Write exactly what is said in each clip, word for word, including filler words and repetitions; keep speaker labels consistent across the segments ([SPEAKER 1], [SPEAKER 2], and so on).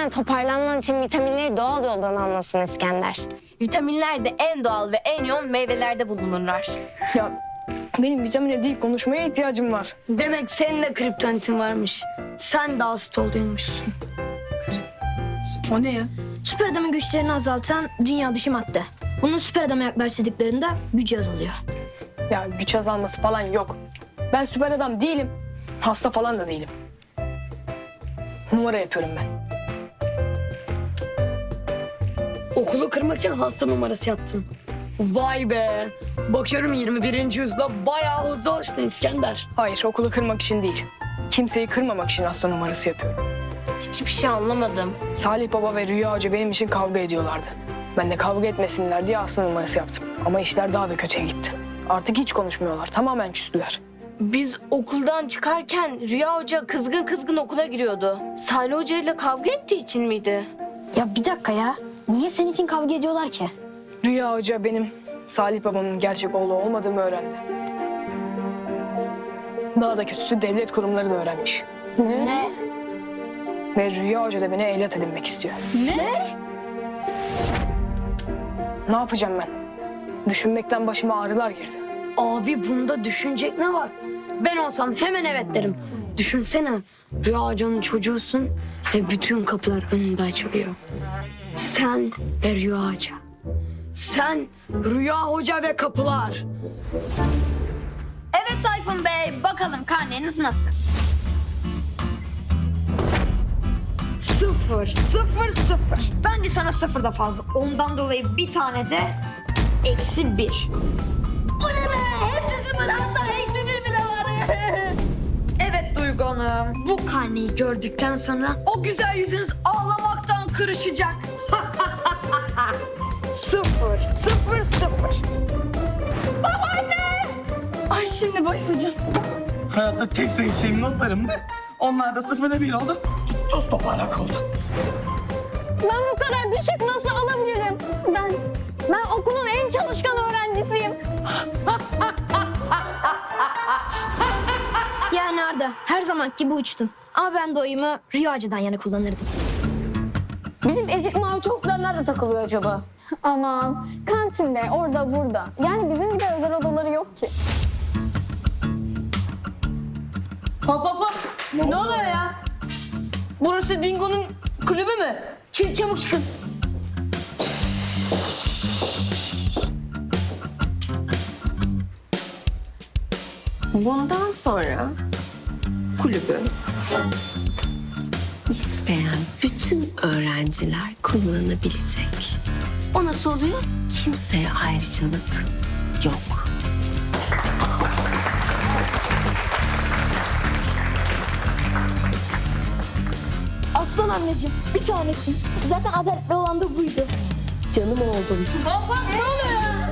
[SPEAKER 1] Hemen toparlanman için vitaminleri doğal yoldan almasın İskender.
[SPEAKER 2] Vitaminler de en doğal ve en yoğun meyvelerde bulunurlar.
[SPEAKER 3] Ya benim vitamine değil konuşmaya ihtiyacım var.
[SPEAKER 4] Demek senin de kriptonitin varmış. Sen de hasta oluyormuşsun.
[SPEAKER 3] O ne ya?
[SPEAKER 5] Süper adamın güçlerini azaltan dünya dışı madde. Bunun süper adama yaklaştırdıklarında gücü azalıyor.
[SPEAKER 3] Ya güç azalması falan yok. Ben süper adam değilim. Hasta falan da değilim. Numara yapıyorum ben.
[SPEAKER 4] Okulu kırmak için hasta numarası yaptın. Vay be. Bakıyorum yirmi birinci yüzyılda bayağı hızlı alıştın İskender.
[SPEAKER 3] Hayır, okulu kırmak için değil. Kimseyi kırmamak için hasta numarası yapıyorum.
[SPEAKER 2] Hiçbir şey anlamadım.
[SPEAKER 3] Salih Baba ve Rüya Hoca benim için kavga ediyorlardı. Ben de kavga etmesinler diye hasta numarası yaptım. Ama işler daha da kötüye gitti. Artık hiç konuşmuyorlar. Tamamen küstüler.
[SPEAKER 2] Biz okuldan çıkarken Rüya Hoca kızgın kızgın okula giriyordu. Salih Hoca ile kavga ettiği için miydi?
[SPEAKER 5] Ya bir dakika ya. Niye senin için kavga ediyorlar ki?
[SPEAKER 3] Rüya Hoca benim Salih Babamın gerçek oğlu olmadığımı öğrendi. Daha da kötüsü devlet kurumları da öğrenmiş.
[SPEAKER 2] Ne?
[SPEAKER 3] Ve Rüya Hoca da beni evlat edinmek istiyor.
[SPEAKER 2] Ne?
[SPEAKER 3] Ne yapacağım ben? Düşünmekten başıma ağrılar girdi.
[SPEAKER 4] Abi bunda düşünecek ne var? Ben olsam hemen evet derim. Düşünsene Rüya Hoca'nın çocuğusun ve bütün kapılar önünde açılıyor. Sen ve Rüya Hoca. Sen, Rüya Hoca ve kapılar.
[SPEAKER 6] Evet Tayfun Bey, bakalım karneniz nasıl?
[SPEAKER 4] Sıfır, sıfır, sıfır. Bence sana sıfır da fazla. Ondan dolayı bir tane de eksi bir.
[SPEAKER 6] Bu ne be? Hepsi sıfır, hatta eksi bir bile var.
[SPEAKER 4] Evet Duygu Hanım. Bu karneyi gördükten sonra o güzel yüzünüz ağlamaktan kırışacak. Sıfır, sıfır, sıfır.
[SPEAKER 3] Ay şimdi bayılacağım.
[SPEAKER 7] Hayatta tek sevdiğim notlarımdı. Onlar da sıfırda bir oldu. Toz toparlak oldu.
[SPEAKER 1] Ben bu kadar düşük nasıl alabilirim? Ben, ben okulun en çalışkan öğrencisiyim.
[SPEAKER 5] Yani Arda her zamanki gibi uçtun. Ama ben de oyumu Rüyacı'dan yana kullanırdım.
[SPEAKER 1] Bizim ezik mavi çocuklar nerede takılıyor acaba? Aman kantinde, orada burada. Yani bizim gibi özel odaları yok ki.
[SPEAKER 8] Hop hop hop. Ne oluyor ya? Burası Dingo'nun kulübü mü? Çabuk çabuk çıkın.
[SPEAKER 9] Bundan sonra kulübü isteyen bütün öğrenciler kullanabilecek. O nasıl oluyor? Kimseye ayrıcalık yok.
[SPEAKER 5] Aslan anneciğim bir tanesin. Zaten adaletli olan da buydu.
[SPEAKER 9] Canım oğlum.
[SPEAKER 8] Hop hop ne oluyor ya?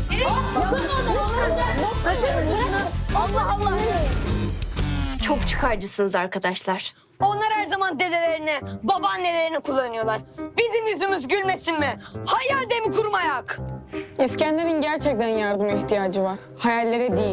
[SPEAKER 2] Allah Allah. Çok çıkarcısınız arkadaşlar.
[SPEAKER 4] Onlar her zaman dedelerini, babaannelerini kullanıyorlar. Bizim yüzümüz gülmesin mi? Hayalde mi kurmayak?
[SPEAKER 3] İskender'in gerçekten yardıma ihtiyacı var. Hayallere değil.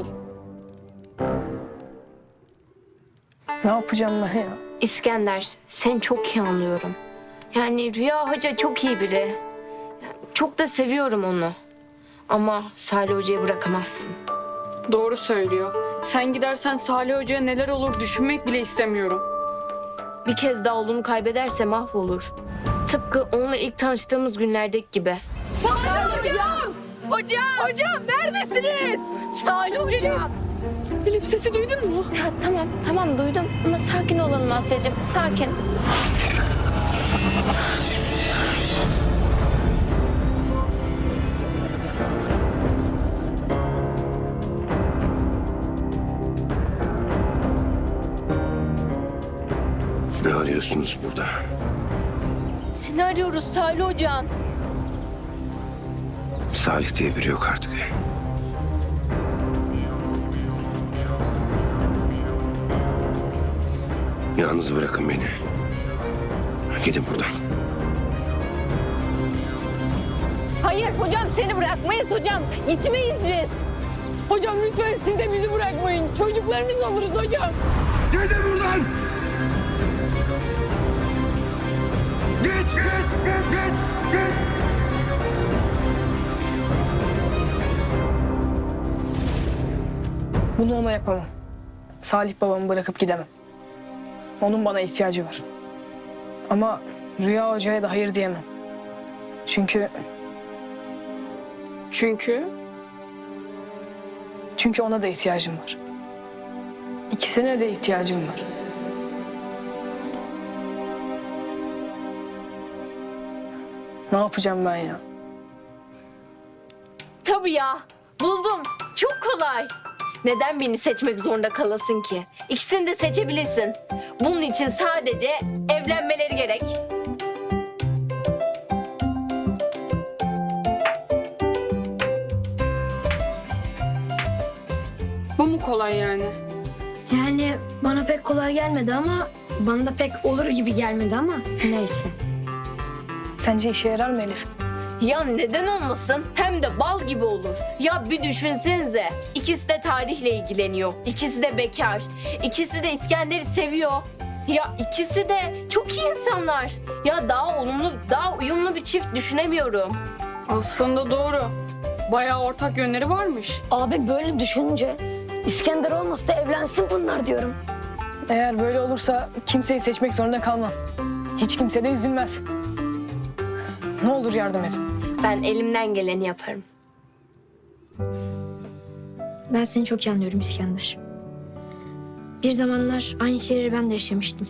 [SPEAKER 3] Ne yapacağım ben ya?
[SPEAKER 2] İskender, seni çok iyi anlıyorum. Yani Rüya Hoca çok iyi biri. Yani çok da seviyorum onu. Ama Salih Hoca'yı bırakamazsın.
[SPEAKER 10] Doğru söylüyor. Sen gidersen Salih Hoca'ya neler olur düşünmek bile istemiyorum.
[SPEAKER 2] Bir kez daha oğlunu kaybederse mahvolur. Tıpkı onunla ilk tanıştığımız günlerdeki gibi.
[SPEAKER 8] Salih hocam! Hocam! Hocam neredesiniz? Salih hocam!
[SPEAKER 10] Elif sesi duydun mu?
[SPEAKER 2] Ya tamam, tamam duydum ama sakin olalım Asya'cığım, sakin.
[SPEAKER 11] Ne arıyorsunuz burada?
[SPEAKER 2] Seni arıyoruz Salih hocam.
[SPEAKER 11] Salih diye biri yok artık. Yalnız bırakın beni. Gidin buradan.
[SPEAKER 1] Hayır hocam seni bırakmayız hocam. Gitmeyiz biz.
[SPEAKER 3] Hocam lütfen siz de bizi bırakmayın. Çocuklarınız oluruz hocam.
[SPEAKER 7] Gidin buradan!
[SPEAKER 11] Git, git, git, git, git.
[SPEAKER 3] Bunu ona yapamam. Salih babamı bırakıp gidemem. Onun bana ihtiyacı var. Ama Rüya Hoca'ya da hayır diyemem. Çünkü
[SPEAKER 10] Çünkü
[SPEAKER 3] çünkü ona da ihtiyacım var. İkisine de ihtiyacım var. Ne yapacağım ben ya?
[SPEAKER 2] Tabii ya. Buldum. Çok kolay. Neden birini seçmek zorunda kalasın ki? İkisini de seçebilirsin. Bunun için sadece evlenmeleri gerek.
[SPEAKER 10] bu mu kolay yani?
[SPEAKER 5] Yani bana pek kolay gelmedi ama bana da pek olur gibi gelmedi ama neyse.
[SPEAKER 3] Sence işe yarar mı Elif?
[SPEAKER 2] Ya neden olmasın? Hem de bal gibi olur. Ya bir düşünsenize. İkisi de tarihle ilgileniyor. İkisi de bekar. İkisi de İskender'i seviyor. Ya ikisi de çok iyi insanlar. Ya daha olumlu, daha uyumlu bir çift düşünemiyorum.
[SPEAKER 10] Aslında doğru. Bayağı ortak yönleri varmış.
[SPEAKER 5] Abi böyle düşününce İskender olmasa da evlensin bunlar diyorum.
[SPEAKER 3] Eğer böyle olursa kimseyi seçmek zorunda kalmam. Hiç kimse de üzülmez. Ne olur yardım et.
[SPEAKER 2] Ben elimden geleni yaparım.
[SPEAKER 5] Ben seni çok iyi anlıyorum İskender. Bir zamanlar aynı şeyleri ben de yaşamıştım.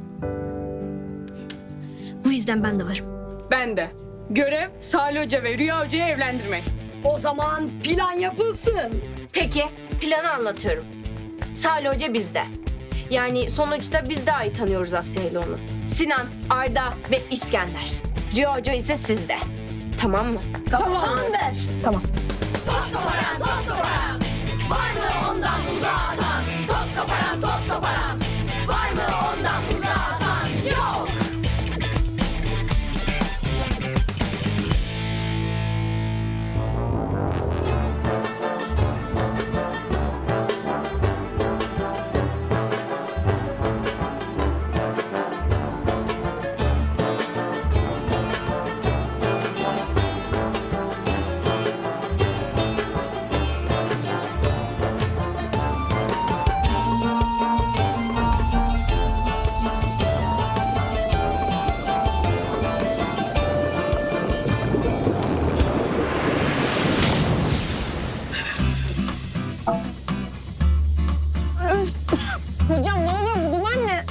[SPEAKER 5] Bu yüzden ben de varım.
[SPEAKER 10] Ben de. Görev Salih Hoca ve Rüya Hoca'yı evlendirmek.
[SPEAKER 4] O zaman plan yapılsın.
[SPEAKER 2] Peki, planı anlatıyorum. Salih Hoca bizde. Yani sonuçta biz daha iyi tanıyoruz Asya ile onu. Sinan, Arda ve İskender. Rüya Hoca ise sizde. Tamam mı?
[SPEAKER 3] Tamam. Tamam.
[SPEAKER 6] Toz koparan, toz koparan. Var mı ondan uzağa atan? Toz koparan, toz koparan. Var mı ondan uzağa atan? Yok.
[SPEAKER 1] Hocam ne oluyor, bu duman ne?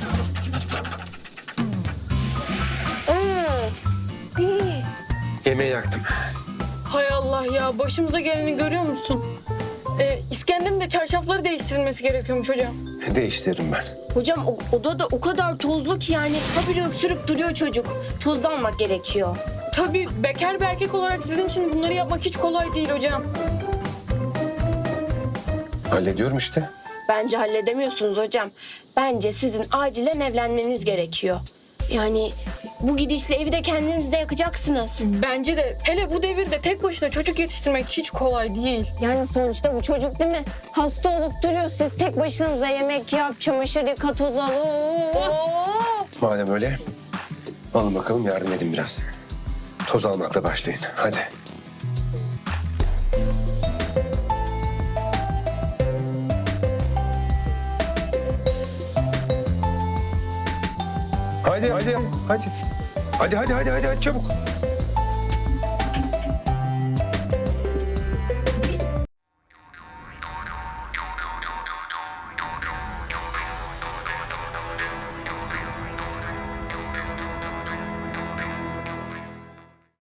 [SPEAKER 11] Yemeği yaktım.
[SPEAKER 10] Hay Allah ya, başımıza geleni görüyor musun? Ee, İskender'in de çarşafları değiştirilmesi gerekiyormuş hocam.
[SPEAKER 11] Değiştiririm ben.
[SPEAKER 2] Hocam o, oda da o kadar tozlu ki yani habire öksürüp duruyor çocuk. Tozlu almak gerekiyor.
[SPEAKER 10] Tabii bekar bir erkek olarak sizin için bunları yapmak hiç kolay değil hocam.
[SPEAKER 11] Hallediyorum işte.
[SPEAKER 2] Bence halledemiyorsunuz hocam. Bence sizin acilen evlenmeniz gerekiyor. Yani bu gidişle evi de kendiniz de yakacaksınız.
[SPEAKER 10] Bence de hele bu devirde tek başına çocuk yetiştirmek hiç kolay değil.
[SPEAKER 1] Yani sonuçta bu çocuk değil mi? Hasta olup duruyor, siz tek başınıza yemek yap, çamaşır yıka, toz al. Oo.
[SPEAKER 11] Madem öyle, alın bakalım yardım edin biraz. Toz almakla başlayın. Hadi. Hadi, hadi, hadi. Hadi, hadi, hadi, hadi, hadi çabuk.